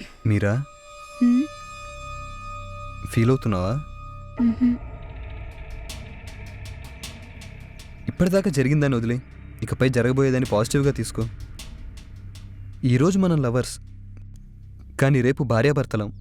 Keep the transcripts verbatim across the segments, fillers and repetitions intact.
మీరా హ్మ్? ఫీల్ అవుతున్నావా? మ్హూ. ఇప్పటిదాకా జరిగిందని వదిలే, ఇకపై జరగబోయేదని పాజిటివ్గా తీసుకో. ఈరోజు మనం లవర్స్, కానీ రేపు భార్యాభర్తలం.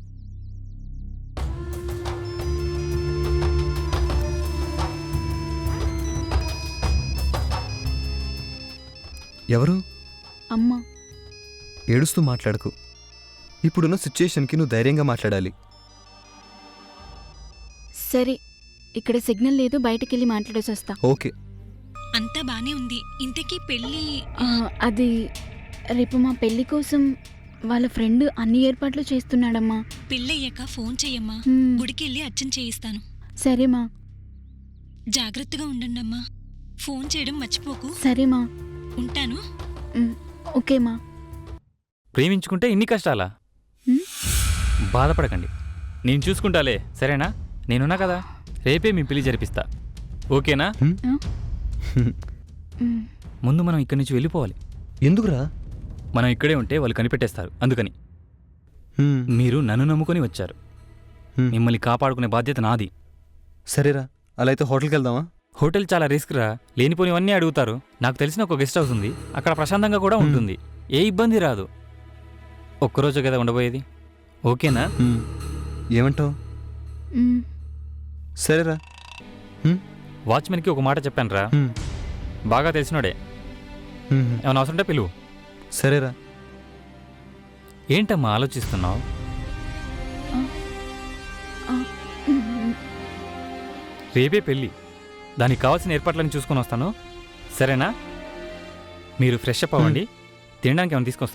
ఎవరు? అమ్మ. ఏడుస్తూ మాట్లాడకు. ఇప్పుడున్న సిచ్యుయేషన్కి నువ్వు ధైర్యంగా మాట్లాడాలి. సరే, ఇక్కడ సిగ్నల్ లేదు, బయటకెళ్ళి మాట్లాడేసి వస్తా. ఓకే. అంతా బానే ఉంది. ఇంతకీ పెళ్ళి ఆ, అది రేపు మా పెళ్లి కోసం వాళ్ళ ఫ్రెండ్ అన్ని ఏర్పాట్లు చేస్తున్నాడమ్మా. పెళ్ళయ్యాక ఫోన్ చెయ్యమ్మా. హ్మ్. గుడికెళ్ళి అర్చన చేయిస్తాను. సరేమా. జాగ్రత్తగా ఉండండమ్మా. ఫోన్ చేయడం మర్చిపోకు. సరేమా. ఉంటాను. మ్, ఓకేమా. ప్రేమించుకుంటే ఇన్ని కష్టాలా? హ్మ్? బాధపడకండి, నేను చూసుకుంటాలే, సరేనా? నేనున్నా కదా, రేపే మీ పెళ్లి జరిపిస్తా. ఓకేనా? హ్మ్? ఆ? మ్, ముందు మనం ఇక్కడి నుంచి వెళ్ళిపోవాలి. ఎందుకురా? మనం ఇక్కడే ఉంటే వాళ్ళు కనిపెట్టేస్తారు. అందుకని హ్మ్. మీరు నన్ను నమ్ముకొని వచ్చారు. హ్మ్. మిమ్మల్ని కాపాడుకునే బాధ్యత నాది. సరేరా, అలా అయితే హోటల్కి వెళ్దామా? హోటల్ చాలా రిస్క్ రా, లేనిపోనివన్నీ అడుగుతారు. నాకు తెలిసిన ఒక గెస్ట్ హౌస్ ఉంది, అక్కడ ప్రశాంతంగా కూడా ఉంటుంది. ఏ ఇబ్బంది రాదు. ఒక్కరోజు కదా ఉండబోయేది, ఓకేనా? హ్మ్. ఏమంటావు? మ్, సరేరా. హ్మ్? వాచ్మెన్కి ఒక మాట చెప్పాను రా, హ్మ్. బాగా తెలిసినోడే. హ్మ్. ఏమైనా అవసరం ఉంటే పిలువు. సరేరా. ఏంటమ్మా ఆలోచిస్తున్నావు? ఆ, మ్, రేపే పెళ్ళి, దానికి కావాల్సిన ఏర్పాట్లను చూసుకొని వస్తాను, సరేనా? మీరు ఫ్రెష్ అప్ అవ్వండి, తినడానికి ఏమైనా తీసుకొస్తాను.